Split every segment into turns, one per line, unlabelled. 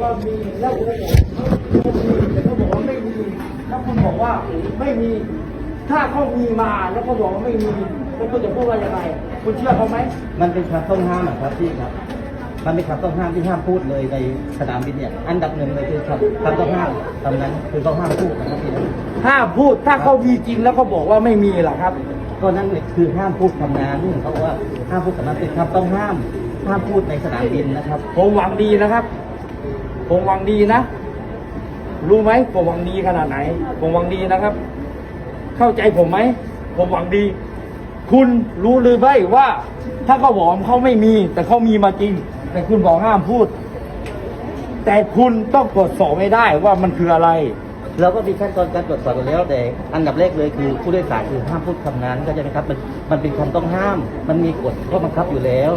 ว่ามีแล้วคุณบอกแต่เขาบอกว่าไม่มีถ้าคุณบอกว่าไม่มีถ้าเขามีมาแล้วเขาบอกว่าไม่มีแล้วคุณจะพูดว่ายังไงคุณเชื่อเขาไหม
มันเป็นคำต้องห้ามครับพี่ครับมันเป็นคำต้องห้ามที่ห้ามพูดเลยในสนามบินเนี่ยอันดับหนึ่งเลยคือคำต้องห้ามคำนั้นคือต้องห้ามพูดนะครับพี่
ห้ามพูดถ้าเขามีจริงแล้วเขาบอกว่าไม่มีล่ะครับ
ก็นั่นคือห้ามพูดคำนั้นเขาบอกว่าห้ามพูดคำนั้นเป็นคำต้องห้ามพูดในสนามบินนะครับ
ผมหวังดีนะครับผมหวังดีนะรู้ไหมผมหวังดีขนาดไหนผมหวังดีนะครับ เข้าใจผมไหมผมหวังดีคุณรู้หรือไม่ว่าถ้าเขาบอกเขาไม่มีแต่เขามีมาจริงแต่คุณบอกห้ามพูดแต่คุณต้องตรวจสอบไม่ได้ว่ามันคืออะไร
เราก็มีขั้นตอนการตรวจสอบอยู่แล้วแต่อันดับแรกเลยคือผู้โดยสารคือห้ามพูดคำนั้นเข้าใจไหมครับมันเป็นคำต้องห้ามมันมีกฎข้อบังคับอยู่แล้ว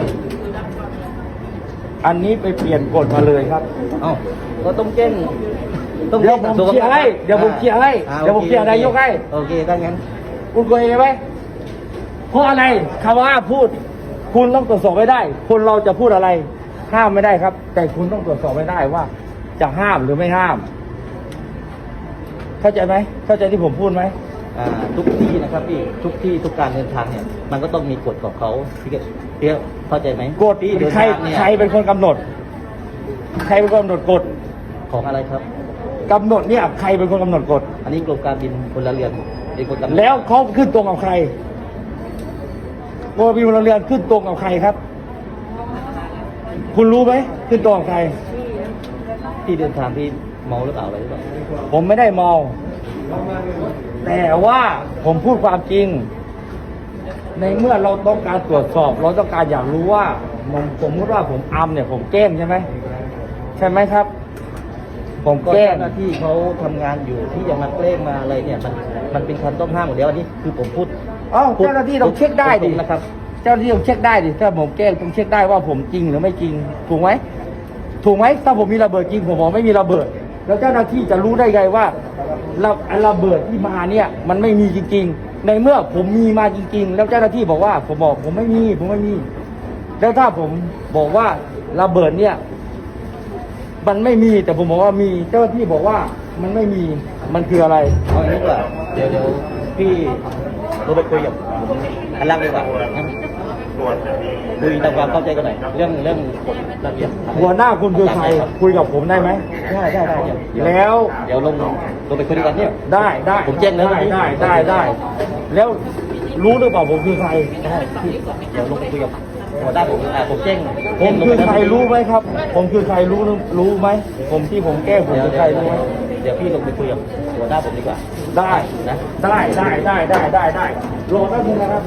อันนี้ไปเปลี่ยนกฎมาเลยครับ
ก็ต้องแจ้ง
เดี๋ยวผมเคลียร์ให้เดี๋ยวผมเคลียร์ให้เดี๋ยวผมเคลียร์นายกให้
โอเคถ้างั้น
คุณเคยไหมเพราะอะไรคำว่าพูดคุณต้องตรวจสอบไม่ได้คนเราจะพูดอะไรห้ามไม่ได้ครับแต่คุณต้องตรวจสอบไม่ได้ว่าจะห้ามหรือไม่ห้ามเข้าใจไหมเข้าใจที่ผมพูดไหม
ทุกที่นะครับพี่ทุกที่ทุกการเดินทางเนี่ยมันก็ต้องมีกฎของเขาพี่เตี้ยเข้าใจไหม
กฎใครเป็นคนกำหนดใครเป็นคนกำหนดกฎ
ของอะไรครับ
กำหนดเนี่ยใครเป็นคนกำหนดกฎ
อันนี้กรมการบินพลเรือนเป็นคนกำหนด
แล้วเขาขึ้นตรงกับใครกรมการบินพลเรือนขึ้นตรงกับใครครับคุณรู้ไหมขึ้นตรงกับใคร
ที่เดินทางที่เมาหรือเปล่าอะไรหรือเปล่า
ผมไม่ได้เมาแต่ว่าผมพูดความจริงในเมื่อเราต้องการตรวจสอบเราต้องการอยากรู้ว่าสมมติว่าผมเนี่ยผมแกล้งใช่ไหมใช่ไหมครับผมแกล้ง
หน้าที่เขาทำงานอยู่ที่จะมาแกล้งมาอะไรเนี่ยมันเป็นคำต้องห้ามหมดแล้วอันนี้คือผมพูด
เจ้าหน้าที่ต้องเช็คได้ดิ
นะครับ
เจ้าหน้าที่ต้องเช็คได้ดิถ้าผมแกล้งต้องเช็คได้ว่าผมจริงหรือไม่จริงถูกไหมถ้าผมมีระเบิดจริงผมบอกไม่มีระเบิดแล้วเจ้าหน้าที่จะรู้ได้ไงว่าระเบิดที่มาเนี่ยมันไม่มีจริงๆในเมื่อผมมีมาจริงๆแล้วเจ้าหน้าที่บอกว่าผมไม่มีแล้วถ้าผมบอกว่าระเบิดเนี่ยมันไม่มีแต่ผมบอกว่ามีเจ้าหน้าที่บอกว่ามันไม่มีมันคืออะไร
เอาอย่างนี้ดีกว่าเดี๋ยวพี่เราไปคุยกับอันล่างดีกว่าคุยตามความเข้าใจกันหน่อยเรื่องกฎระเบียบ
หัวหน้าคุณคือใครคุยกับผมได้ไหม
ได้
แล้ว
เดี๋ยวลงไปคุยกันเนี่ย
ได้
ผมแจ้งแล้ว
ได้แล้วรู้หรือเปล่าผมคือใคร
ได้เดี๋ยวลงไปคุยกับหัวหน้าผมแจ้ง
ผมคือใครรู้ไหมครับผมคือใครรู้ไหมผมที่ผมแก้ผมคือใครรู้ไหม
เดี๋ยวพี่ลงไปคุยกับหัวหน้าผมดีกว่า
ได้นะได้รอแป๊บนึงนะครับ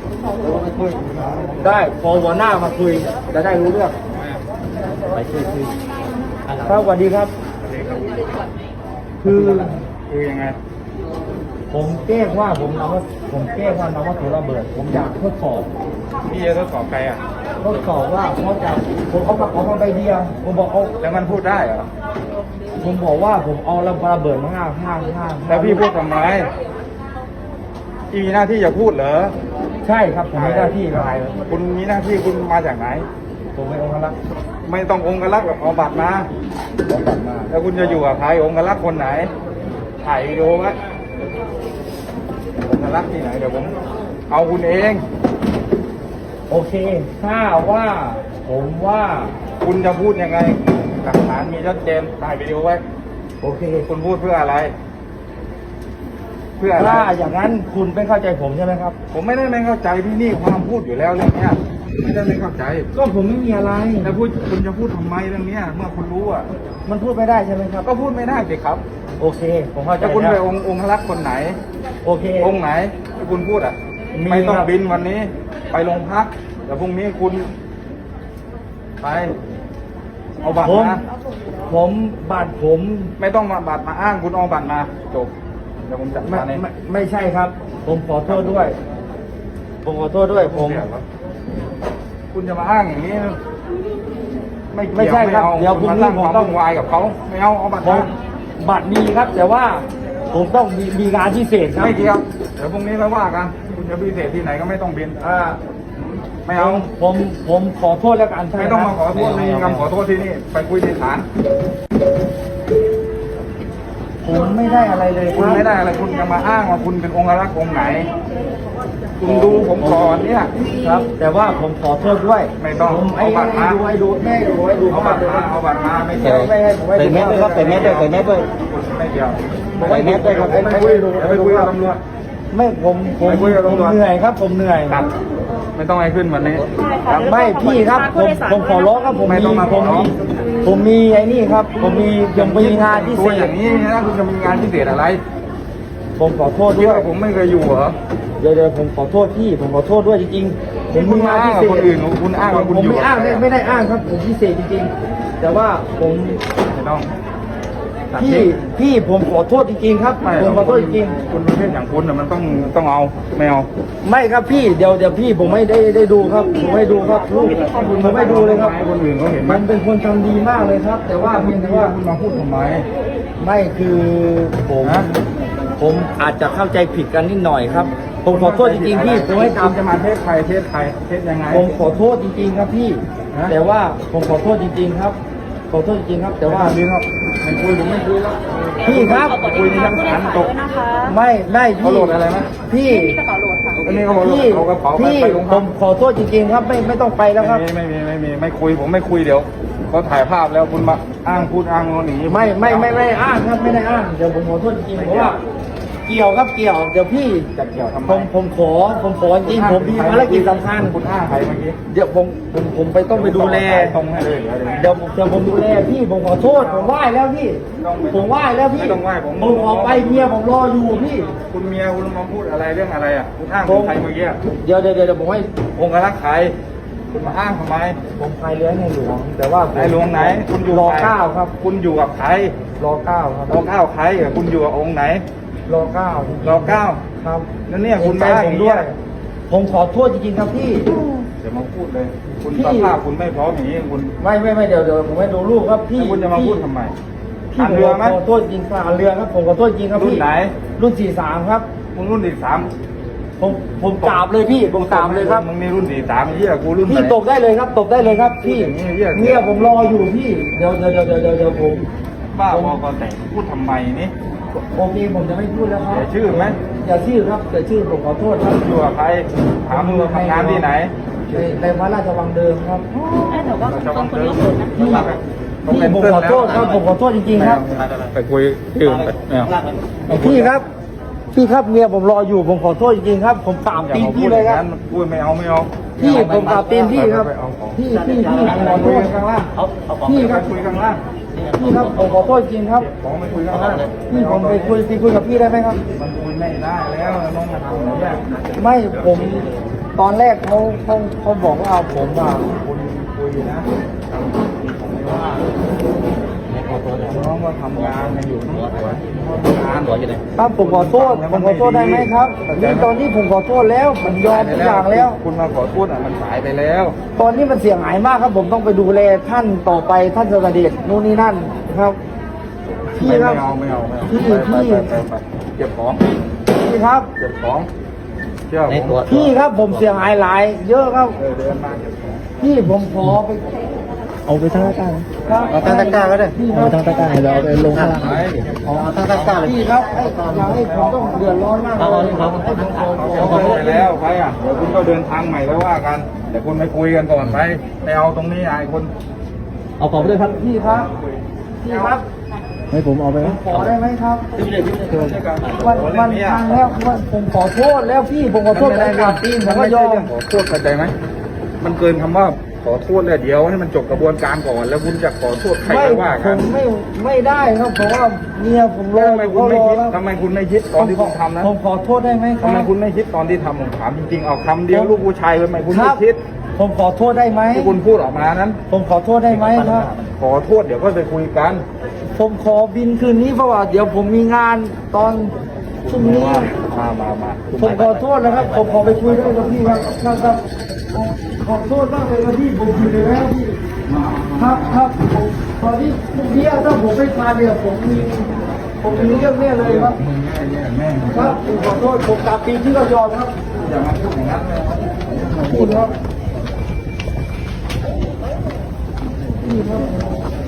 ได้พอหัวหน้ามาคุยจะได้รู้เรื่อง
ไปคุย
ครับสวัสดีครับคือยังไงผมแก้ว่าผมแก้ว่านำวัตถุระเบิดผมอยากทดสอบ
พี่จะทดสอบใครอ่ะ
ทดสอบว่าผมเอากระเป๋ามาใบเดียวผมบอกเอา
แล้วมันพูดได้เหรอ
ผมบอกว่าผมเอาระเบิดมาห้า
แล้วพี่พูดทำไมพี่มีหน้าที่จะพูดเหรอ
ใช่ครับผมมีหน้าที่อะไร
คุณมีหน้าที่คุณมาจากไหน
ผมเป็นองค์รักษ์
ไม่ต้ององค์รักษ์แบบเอาบัตรมาแล้วคุณจะอยู่กับใครองค์รักษ์คนไหนถ่ายวิดีโอไว้องค์รักษ์ที่ไหนเดี๋ยวผมเอาคุณเอง
โอเคถ้าว่าผมว่า
คุณจะพูดยังไงหลักฐานมีชัดเจนถ่ายวิดีโอไว้
โอเค
คุณพูดเพื่ออะไร
ถ้าอย่างนั้นคุณไม่เข้าใจผมใช่ไหมครับ
ผมไม่ได้ไม่เข้าใจพี่นี่ความพูดอยู่แล้วเรื่องนี้ไม่ได้ไม่เข้าใจ
ก็ผมไม่มีอะไร
แล้วคุณจะพูดทำไมเรื่องนี้เมื่อคุณรู้อ่ะ
มันพูดไม่ได้ใช่ไหมครับ
ก็พูดไม่ได้สิครับ
โอเคผมเข้าใจ
แล้วคุณไปองค์รักษ์คนไหน
โอเค
องค์ไหนที่คุณพูดอ่ะไม่ต้องบินวันนี้ไปโรงพักเดี๋ยวพรุ่งนี้คุณไปเอาบัตรมา
บัตรผม
ไม่ต้องมาบัตรมาอ้างคุณเอาบัตรมาจบเดี๋ยวผมจัดการเอง
ไม่ใช่ครับผมขอโทษด้วย
คุณจะมาอ้างอย่างนี้
ไม่ใช่ครับเดี๋ยวคุณ
สร้างความวุ่นวายกับเขาไม่เอาบัตร
มีครับแต่ว่าผมต้องมีงานพิเศษครับ
ไม่เกี่ยวเดี๋ยวพรุ่งนี้เราว่ากันคุณจะพิเศษที่ไหนก็ไม่ต้องบินไม่เอา
ผมขอโทษแล้วกัน
ไม่ต้องมาขอโทษในคำขอโทษที่นี่ไปคุยในศาล
ผมไม่ได้อะไรเลยค
คุณ
รับ
ไม่ได้อะไรคุณจะมาอ้างว่าคุณเป็นองค์รักษ์องค์ไหน คุณดูผมก่อนเนี่ย
ครับ แต่ว่าผมขอโทษด้วย
ไม่ต้อง
ผม
เอาบัตรมา
ให้ดูให้ดู
เอาบัตรมาเอาบัตรมาไม่
ใส่
เกี่ยว
ไม่ให้ผมให้
ใส่แมสด้วยครับใส่แมสด้วยใส่แมสด้วย
ไม่เกี่ยว
ใส่แมสด้วยครับ
ไม่คุยไปคุยกับตำรวจ
ไม่ผม
ไปคุยกับตำรวจ
เหนื่อยครับผมเหนื่อย
ครับไม่ต้องให้ขึ้นวันนี้ครับ
ไม่พี่ครับผมขอร้องครับผม
ไม่ต้องมาขอร้อง
ผมมีไอ้นี่ครับผมมีงานพิ
ตั
เศ
วอ
ษ
ย่างนี้นะคุณจะมีงานพิเศษอะไร
ผมขอโทษ
คิด
ด้วย
ว่าผมไม่เคยอยู่เหรอ
เดี๋ยวผมขอโทษพี่ผมขอโทษด้วยจริงๆผม
คุณ
มีงาน
อ้าง
พิ
กับ
เศษ
คนอื่นคุณอ้างว่าคุณ
ผม
อยู่
ไม่อ้างไม่ได้อ้างครับผมพิเศษจริงๆ แต่ว่าผม
ไม่ต้องตัด
พี่
ทิ้ง
พี่ผมขอโทษจริงๆครับ
ไม่
ผมขอโทษจริง
คุณประเภทอย่างคุณน่ะมันต้องเอาไม่เอา
ๆไม่ครับพี่เดี๋ยวพี่ผมไม่ได้ดูครับผมไม่ดูครับลูกผมไม่ดูเลยครับ
ให้คนอื่นเขาเห็นไหม
มันเป็นคนทำดีมากเลยครับ แต่ว่าเพียงแต่ว่า
คุณมาพูดทำไม
ไม่คือผม
ฮะ
ผมอาจจะเข้าใจผิดกันนิดหน่อยครับ ผมขอโทษจริงๆพี่ผมให้
คุ
ตาม
ณจะมาเทศใครเทศใครเทศยังไง
ผมขอโทษจริงๆครับพี่
ฮะ
แต่ว่าผมขอโทษจริงๆครับ ขอโทษจริงๆครับ แต่ว่า
นี้ครับไม่คุยผมไม่คุยแล้ว
พี่ครับ
คุยในชั้นศาลจบ
ไม่
เขา
พี่
โหลดอะไรไหม
พี่
อันนี้เขาบอก
พี่
เอากระเป๋าไป
พี่
ไปโรง
ผ
พัก
มขอโทษจริงๆครับไม่ต้องไปแล้วครับ
ไม่คุยผมไม่คุยเดี๋ยวเขาถ่ายภาพแล้วคุณมาอ้างพูดอ้างงอนอย่างนี้
ไม่อ้างครับไม่ได้อ้างเดี๋ยวผมขอโทษจริงๆเพราะว่าเกี่ยวครับเกี่ยวเดี๋ยวพี่
จะเกี่ยวทำไม
ผมขอจริงผมมีภารกิจสำคัญ
คุณอ้างใครเมื่อกี้
เดี๋ยวผมไปต้องไปดูแล
ตรงให้เลย
เดี๋ยวผมดูแลพี่ผมขอโทษผมไหว้แล้วพี่ผมไหว้แล้วพี่
ไม่ต้องไหว้ผม
ผมขอไปเมียผมรออยู่พี่
คุณเมียคุณมาพูดอะไรเรื่องอะไรอ่ะคุณอ้างถึงใครเมื่อกี้
เดี๋ยวผมให้
องค์รักษ์ใครคุณมาอ้างทำไม
ผมพายเรือในหลวง แต่ว่าผม
ในหลวงไหน คุณอยู่
รอ
ใค
เก้าครับ
คุณอยู่กับใคร
รอเก้าครับ
รอเก้าใครอ่ะคุณอยู่กับองค์ไหน
รอเก้าร
อเก้า
ครับ
แล้วเนี่ยคุณ
ใจ
มาอ้าง
ผ
อ
ม
ย่าง
ด้
นี้
วย ผมขอโทษจริงๆครับพี่
เดี๋ยวมาพูดเลย คุณ
พี่
สภาพคุณไม่พร้อมอย่างนี้คุณ
ไม่เดี๋ยวผมให้ดูรูปครับพี่
แล้วคุณจะมาพูดทำไม
พี่
ทางเรือไหม
ผมขอโทษจริงค่ะเรือครับผมขอโทษจริงครับ
รุ่น
พี่
ไหน
รุ่น43ครับ
มึงรุ่นที่สาม
ผมกราบเลยพี่ผมกราบเลยครับ
มึงนี่รุ่นที่สามไอ้เหี้ยกูรุ่นไห
พี่
น
ตบได้เลยครับตบได้เลยครับพี่
อย่างนี้เหี้ย
เนี่ยผมรออยู่พี่เดี๋ยวผม
บ้าบอกอนแต่พูดทำไมนี่
โอเคผมจะไม่พูดแล้วครับ
เสียชื่อไหม
อย่าชื่อครับแต่ชื่อผมขอโทษครับ
อยู่กับใครถามมึงทำงานที่ไหน
ในวัดราชวังเดิมครับ
เราจะบังเอิญ
พี่
ต้อง
พี่
เป็น
ผม
เส้น
ขอ
แล้ว
โทษครับผมขอโทษจริงๆครับ
ไปคุยชื่อไม่เอา
พี่ครับพี่ครับเมียผมรออยู่ผมขอโทษจริงๆครับ ผมกราบ
อย่า
ตีน
มาพู
พี่
ด
เล
อย ย่าง
ครับ
นั้นพูดไม่เอาไม่เอา
พี่ผมกราบตีนพี่ครับ
ไปเอาของ
พี่ผมขอโทษ
ข้างล่าง
พี่ค
ไป
รับ
คุยข้างล่าง
พี่ครับผมขอโทษจริงครับ
ของไปคุยข้างล่าง
พี่ผมไปคุยกับพี่ได้ไหมครับ
มันคุยไม่ได้แล้วน้องมาทำอย่างนี้
ไม่ผมตอนแรกเขาบอกว่าผมอ่ะ
คุณคุยนะน้องก็ทำงานมาอยู่ทั้งวันงาน
ครับผมขอโทษได้ไหมครับนี่ตอนนี้ผมขอโทษแล้วผมยอมทุกอย่างแล้ว
คุณมาขอโทษอ่ะมันสายไปแล้ว
ตอนนี้มันเสียหายมากครับ ผมต้องไปดูแลท่านต่อไปท่านเสด็จนู่นนี่นั่นครับพี่
ไม่
ครับ
เอา
พี่
ไปเก็บของ
พี่ครับ
เก็บของเชื่อผม
พี่ครับผมเสียหายหลาย เยอะครับ
เดินมาเก็บของ
พี่ผมขอไป
เอาไปทั้งตะกร้า
ครับ
เอาทั้งตะกร้าก็ได้
พี่ค
เอา
รับ
ทั้งตะกร้าเราเอาไปลงข้างล่าง
ไป
เอาทั้งตะกร้าเลย
พี่ครับอย่าให้ผมต้องเดือดร้อนมากเลยให้ผมขอ
เขาไปแล้วไปอ่ะเดี๋ยวคุณก็เดินทางใหม่แล้วว่ากันเดี๋ยวคุณไปคุยกันก่อนไปไม่เอาตรงนี้ไอ้คน
เอาของไปด้วยครับ
พี่ครับพี่ครับ
ให้ผมเอาไปไหม
ขอได้ไหมครับวันทางแล้ววันผมขอโทษแล้วพี่ผมขอโทษได้ครับตีนผมก็ยอม
ขอโทษเข้าใจไหมมันเกินคำว่าขอโทษเลยเดี๋ยวให้มันจบกระบวนการก่อนแล้วคุณจะขอโทษใคร
ไม่
ก็ว่า
ผ
กัน
มไม่ได้ครับเพราะว่าเมียผมรอ
ทำไมคุณไม่คิดทำไมคุณไม่คิดตอนที่ผมทำนะ
ผมขอโทษได้ไหมครั
ทำไม
บ
คุณไม่คิดตอนที่ทำผมถามจริงๆเอาคำเดียวลูกผู้ชายทำไมคุณ
ค
ไม่
รับ
คิด
ผมขอโทษได้ไหม
ที่คุณพูดออกมานั้น
ผมขอโทษได้ไหมครับ
ขอโทษเดี๋ยวก็ไปคุยกัน
ผมขอบินคืนนี้เพราะว่าเดี๋ยวผมมีงานตอนพรุ่งนี้
มา
ผมขอโทษนะครับผมขอไปคุยด้วยกับพี่ครับครับขอโทษมากเลยครับพี่ผมผิดไปแล้วพี่ครับผมตอนนี้พรุ่งนี้ถ้าผมไม่มาเนี่ยผมมีเรื่องแน่เลยครับ
มึงแม่ง
ครับผมขอโทษผมกลับปีที่ก็ยอมครับ
อย่ามาพูดอย่างนั้นเลย
พูดครับนี่ครับ